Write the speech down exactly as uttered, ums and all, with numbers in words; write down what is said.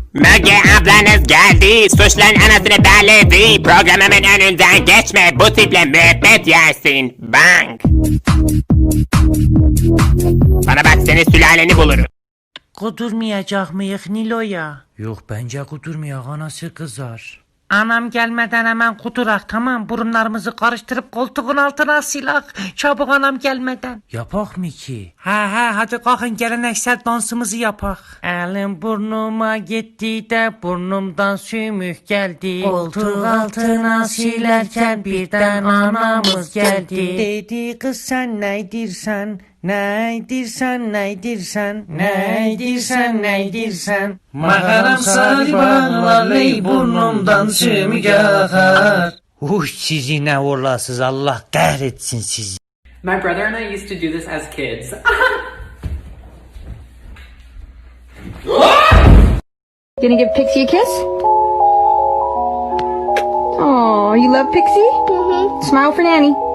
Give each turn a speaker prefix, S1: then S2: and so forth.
S1: Müge ablanız geldi, suçların anasını belledi. Programımın önünden geçme, bu tiple müebbet yersin. Bang. Bana bak, seni sülaleni bulurum.
S2: Kudurmayacak mıyık Nilo'ya? Yok bence kudurmayak, anası kızar. Anam gelmeden hemen kudurak, tamam, burunlarımızı karıştırıp koltuğun altına silak. Çabuk anam gelmeden. Yapak mı ki? He he, hadi kalkın geleneksel dansımızı yapak. Elim burnuma gitti de burnumdan sümük geldi. Koltuğun altına silerken birden anamız geldi. Dedi kız sen neydirsen? Neydirsen neydirsen? Neydirsen neydirsen? Makaram sarıban vallahi burnumdan sümük akar. Uy sizi ne uğurlasız, Allah kahretsin sizi.
S3: My brother and I used to do this as kids.
S4: Gonna give Pixie a kiss? Aw, you love Pixie? Mm-hmm. Smile for Nanny.